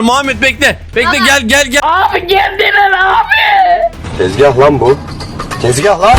Muhammed bekle. Bekle Baba. gel. Abi geldiler abi. Tezgah lan bu. Tezgah lan.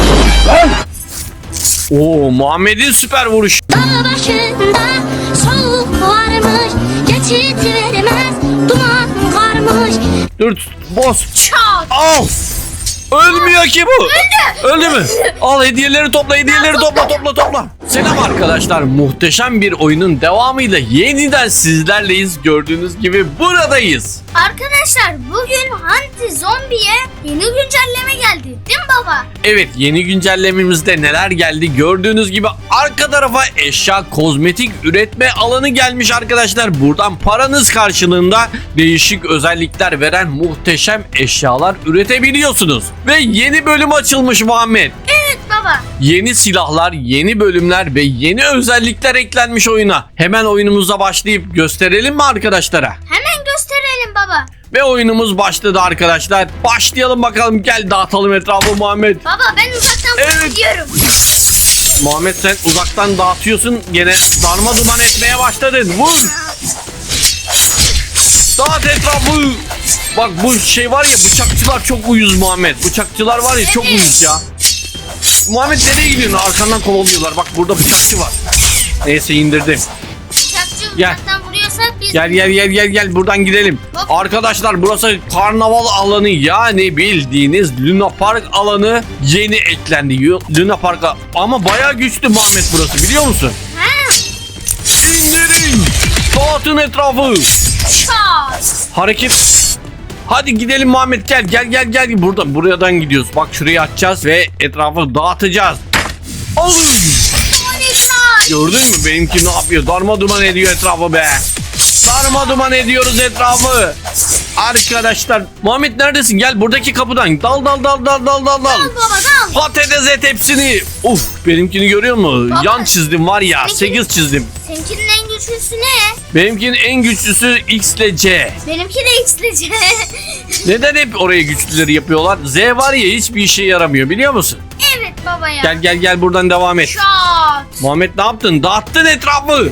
Oo Muhammed'in süper vuruş. Dağ başında soğuk varmış, geçit vermez, duman varmış. Dur boz. Çat. Al. Ölmüyor ki bu. Öldü mü? Al hediyeleri topla topla. Selam arkadaşlar. Muhteşem bir oyunun devamıyla yeniden sizlerleyiz. Gördüğünüz gibi buradayız. Arkadaşlar bugün Hunty Zombie'ye yeni güncelleme geldi değil mi baba? Evet yeni güncellememizde neler geldi gördüğünüz gibi arka tarafa eşya kozmetik üretme alanı gelmiş arkadaşlar. Buradan paranız karşılığında değişik özellikler veren muhteşem eşyalar üretebiliyorsunuz. Ve yeni bölüm açılmış Muhammed. Evet baba. Yeni silahlar, yeni bölümler ve yeni özellikler eklenmiş oyuna. Hemen oyunumuza başlayıp gösterelim mi arkadaşlara? Hemen gösterelim baba. Ve oyunumuz başladı arkadaşlar. Başlayalım bakalım, gel dağıtalım etrafı Muhammed. Baba ben uzaktan Evet. diyorum. Muhammed sen uzaktan dağıtıyorsun. Gene darma duman etmeye başladın. Vur. Dağıt etrafı. Bak bu şey var ya, bıçakçılar çok uyuz Muhammed. Bıçakçılar var ya çok uyuz ya. Muhammed nereye gidiyorsun? Arkandan kovalıyorlar. Bak burada bıçakçı var. Neyse indirdim. Bıçakçı Gel. uzaktan vuruyorsa biz... Gel buradan gidelim. Hop. Arkadaşlar burası karnaval alanı, yani bildiğiniz Luna Park alanı yeni eklendi. Luna Park'a ama bayağı güçlü Muhammed burası, biliyor musun? Ha. İndirin. Dağıtın etrafı. Çat. Hareket. Hadi gidelim Muhammed, gel. Buradan gidiyoruz. Bak şurayı açacağız ve etrafı dağıtacağız. Alın. Harika. Gördün mü benimki ne yapıyor? Darma duman ediyor etrafı be. Darma duman ediyoruz etrafı. Arkadaşlar Muhammed neredesin? Gel buradaki kapıdan. Dal. Al baba dal. Patates et hepsini. Uf, benimkini görüyor musun? Baba. Yan çizdim var ya. 8 çizdim. Seninkinin en güçlüsü ne? Benimkinin en güçlüsü X ile C. Benimki de X'lice. Neden hep oraya güçlüleri yapıyorlar? Z var ya, hiçbir işe yaramıyor, biliyor musun? Evet baba ya. Gel buradan devam et. Çat. Muhammed ne yaptın? Dağıttın etrafı.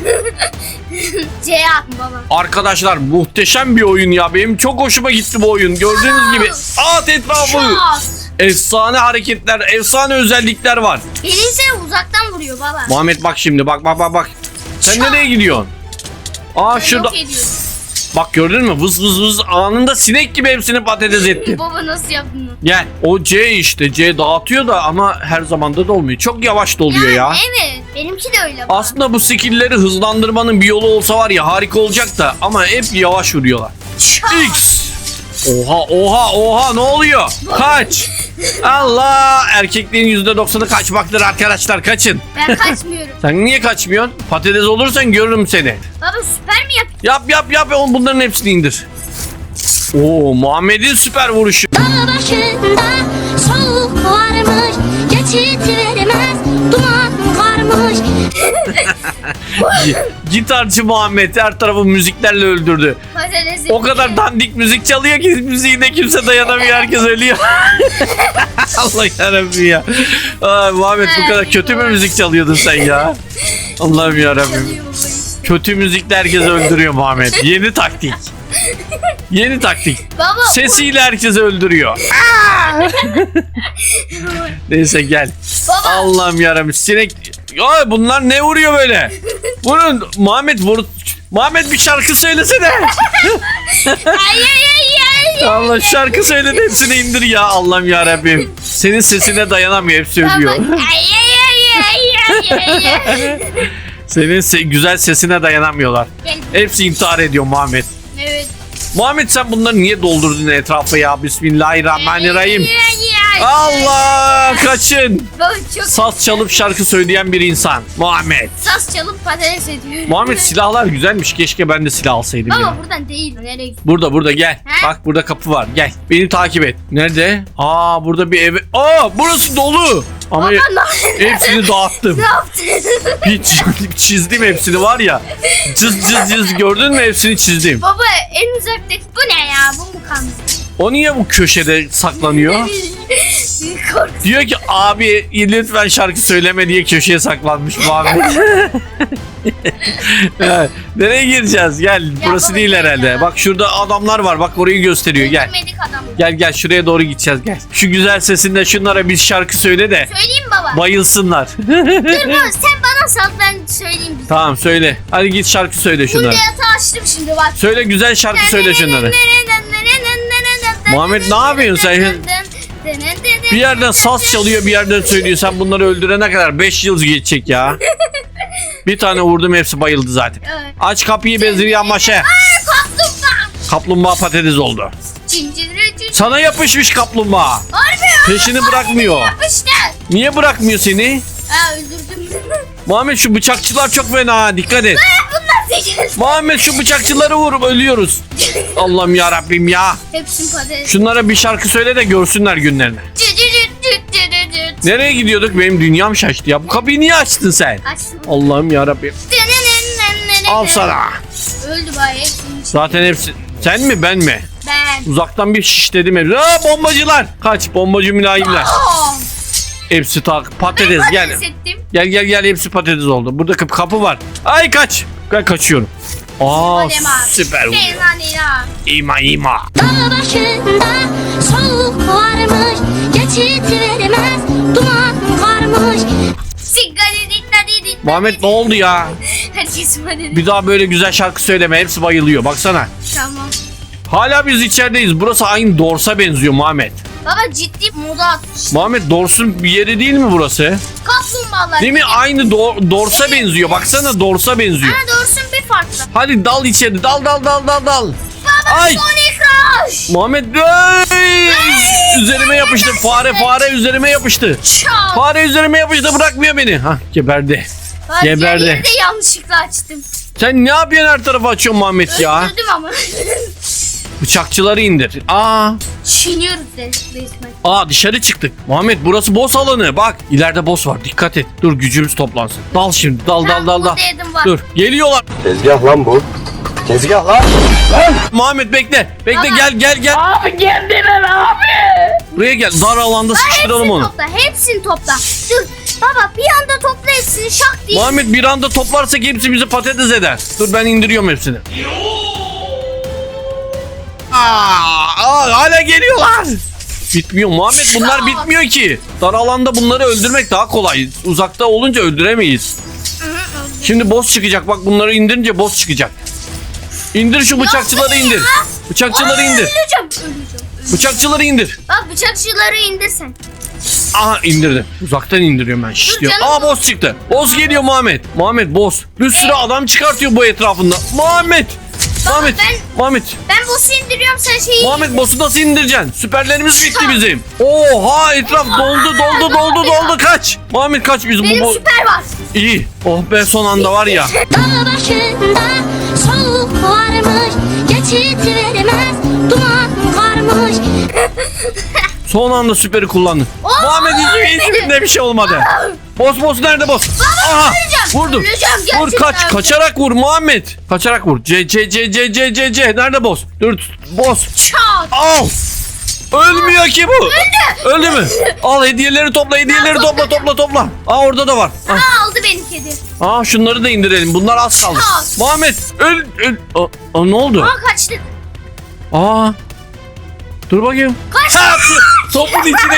C atma baba. Arkadaşlar muhteşem bir oyun ya. Benim çok hoşuma gitti bu oyun. Gördüğünüz gibi at etrafı. Çat. Efsane hareketler, efsane özellikler var. Birisi uzaktan vuruyor baba. Muhammed bak şimdi, bak. Sen Çat. nereye gidiyorsun? Aa şurada. Yok ediyor. Bak gördün mü? Vız anında sinek gibi hepsini patates etti. Baba nasıl yaptın bunu? Gel. O C işte. C dağıtıyor da ama her zamanda da olmuyor. Çok yavaş doluyor ya. Evet. Benimki de öyle baba. Aslında bu skill'leri hızlandırmanın bir yolu olsa var ya, harika olacak da ama hep yavaş vuruyorlar. Çat. X. Oha ne oluyor? Kaç. Allah, erkekliğin %90'ı kaçmaktır arkadaşlar, kaçın. Ben kaçmıyorum. Sen niye kaçmıyorsun? Patates olursan görürüm seni. Baba süper mi yap? Yap bunların hepsini indir. Oo Muhammed'in süper vuruşu. Dağ başında soğuk varmış, geçit vermez, duman varmış. Gitarcı Muhammed her tarafı müziklerle öldürdü. Patatesi. O kadar dandik müzik çalıyor ki müziğine kimse dayanamıyor, herkes ölüyor. Allah yarabbim ya. Ay, Muhammed bu kadar kötü mü müzik çalıyordun sen ya? Allah'ım yarabbim. Çalıyor baba işte. Kötü müzikle herkes öldürüyor Muhammed. Yeni taktik. Yeni taktik. Baba. Sesiyle herkes öldürüyor. Neyse gel. Baba. Allah'ım yarabbim. Sinek. Ay, bunlar ne vuruyor böyle? Vurun. Muhammed bir şarkı söylesene. Ay. Allah, şarkı söyle de hepsini indir ya. Allah'ım yarabbim. Senin sesine dayanamıyor, hepsi ölüyor. Baba. Ay. Senin güzel sesine dayanamıyorlar. Gel. Hepsi intihar ediyor Muhammed. Evet. Muhammed sen bunları niye doldurdun etrafı ya? Bismillahirrahmanirrahim. Allah, kaçın. Baba çok Saz çalıp şarkı söyleyen bir insan. Muhammed. saz çalıp patates ediyor. Muhammed silahlar güzelmiş. Keşke ben de silah alsaydım Baba ya. buradan değil. Nereye gidiyorsun? Burada gel. He? Bak burada kapı var. Gel. Beni takip et. Nerede? Aa burada bir ev. Aa burası dolu. Ama Baba ne hepsini dağıttım. Ne yaptın? Hiç çizdim hepsini var ya. Cız gördün mü, hepsini çizdim. Baba en uzaktaki bu ne ya? Bu mu kalmış? O niye bu köşede saklanıyor? korkusu. Diyor ki abi lütfen şarkı söyleme diye köşeye saklanmış Muhammed. Evet, nereye gireceğiz? Gel. Burası baba, değil gel herhalde. ya. Bak şurada adamlar var. Bak orayı gösteriyor. Gel. Öldürmedik adamı. Gel şuraya doğru gideceğiz gel. Şu güzel sesinle şunlara bir şarkı söyle de Söyleyeyim baba. bayılsınlar. Dur baba sen bana sal ben söyleyeyim. Tamam söyle. Hadi git şarkı söyle şunlara. Burada yatağı açtım şimdi bak. Söyle güzel şarkı söyle şunlara. Muhammed, ne yapıyorsun sen? Bir yerden saz çalıyor bir yerden söylüyor. Sen bunları öldürene kadar 5 yıl geçecek ya. Bir tane vurdum hepsi bayıldı zaten. Evet. Aç kapıyı Beziryan Maşa. Kaplumbağa. Kaplumbağa patates oldu. Cinciri. Sana yapışmış kaplumbağa. Harbi ya. Peşini bırakmıyor. Yapıştı. Niye bırakmıyor seni? Ha öldürdüm. Muhammed şu bıçakçılar çok fena ha, dikkat et. Bunlar seçeriz. Muhammed şu bıçakçıları vurup ölüyoruz. Allah'ım ya Rabbim ya. Hepsini patates. Şunlara bir şarkı söyle de görsünler günlerini. Nereye gidiyorduk? Benim dünyam şaştı ya. Bu kapıyı niye açtın sen? Açtım. Allah'ım ya Rabbim. Al sana. Öldü bari hepsini. Zaten hepsi. Sen mi ben mi? Ben. Uzaktan bir şişledim hepsi. Aa, bombacılar. Kaç bombacı mülayimler. Oh. Hepsi patates gel. Patates ettim. Gel hepsi patates oldu. Burada kapı var. Ay kaç. Ben kaçıyorum. Aa Alem abi. süper vuruyor. Fena. İma. Dağ başında soğuk varmış, geçit vermez, duman varmış. Muhammed ne oldu ya? Herkes patates. Bir daha böyle güzel şarkı söyleme. Hepsi bayılıyor. Baksana. Tamam. Hala biz içerideyiz. Burası aynı Dors'a benziyor Muhammed. Baba ciddi moda atmış. Muhammed Dors'un bir yeri değil mi burası? Kaplumbağalar. Değil mi? Aynı Dors'a benziyor. Baksana Dors'a benziyor. Ha doğrusun bir farklı. Hadi dal içeri. Dal. Baba Ay. Sonic Rush. Muhammed ay! Üzerime yapıştı. Fare üzerime yapıştı. Çal. Fare üzerime yapıştı. Bırakmıyor beni. Hah geberdi. Bak, geberdi. yeri de yanlışlıkla açtım. Sen ne yapıyorsun her tarafa açıyorsun Muhammed ya? Öldürdüm ama. Bıçakçıları indir. Çiğniyoruz resmen. Dışarı çıktık. Muhammed burası boss alanı. Bak ileride boss var. Dikkat et. Dur gücümüz toplansın. Dal şimdi. Dal. Burada yedim var. Dur. Geliyorlar. Tezgah lan bu. Tezgah lan. Muhammed bekle. Baba. Gel. Abi geldiler abi. Buraya gel. Dar alanda sıkıştıralım onu. Hepsini topla. Dur. Baba bir anda topla hepsini şak diye. Muhammed bir anda toplarsak hepsi bizi patates eder. Dur ben indiriyorum hepsini. Hala geliyorlar. Bitmiyor Muhammed, bunlar bitmiyor ki. Dar alanda bunları öldürmek daha kolay. Uzakta olunca öldüremeyiz. Şimdi boss çıkacak, bak bunları indirince boss çıkacak. İndir şu bıçakçıları indir. Bıçakçıları indir. Öleceğim. Bıçakçıları indir. Bak bıçakçıları indirsen. Aha indirdim. Uzaktan indiriyorum ben. Şşş diyor. canım. Boss çıktı. Boss geliyor Muhammed. Muhammed boss. Bir sürü adam çıkartıyor bu etrafında. Muhammed. Muhammed. Ben boss'u indiriyorum sen şeyi. Muhammed boss'u nasıl indireceksin? Süperlerimiz bitti bizim. Oha etraf doldu kaç. Muhammed kaç bizim Benim bu. süper var. İyi. Oh be son anda var ya. Dağ başında soğuk varmış, geçit vermez, duman varmış. Son anda süperi kullandın. Muhammed hiçbirinde bir şey olmadı. Boss nerede boss? Aha vurdu. Öleceğim Vur gerçekten. kaçarak vur Muhammed. Kaçarak vur. C. Nerede boss? Dur boss. Çat. Al. Ölmüyor ki bu. Öldü mü? Al hediyeleri topla topla. Orada da var. Aldı beni kedi. Şunları da indirelim. Bunlar az kaldı. Çal. Muhammed öl. Ne oldu? Kaçtık. Dur bakayım. Topun içine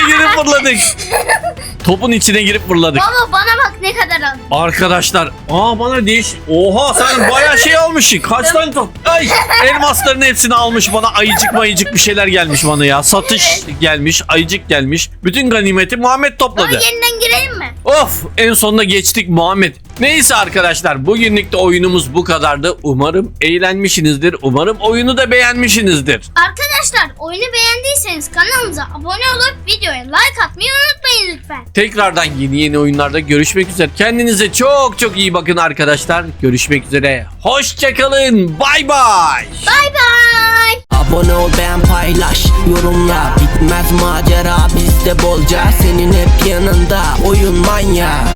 girip fırladık. Baba bana bak ne kadar aldı. Arkadaşlar bana oha sen bayağı şey almışsın. Kaç tane top? Ay elmasların hepsini almış bana. Ayıcık bir şeyler gelmiş bana ya. Satış gelmiş, ayıcık gelmiş. Bütün ganimeti Muhammed topladı. Yeniden girelim mi? Of en sonunda geçtik Muhammed. Neyse arkadaşlar bugünlük de oyunumuz bu kadardı. Umarım eğlenmişsinizdir. Umarım oyunu da beğenmişsinizdir. Arkadaşlar oyunu beğendiyseniz kanalımıza abone olup videoya like atmayı unutmayın lütfen. Tekrardan yeni oyunlarda görüşmek üzere. Kendinize çok iyi bakın arkadaşlar. Görüşmek üzere. Hoşçakalın. Bay bay. Bay bay. Abone ol, beğen, paylaş, yorumla. Bitmez macera bizde bolca. Senin hep yanında oyun manyağı.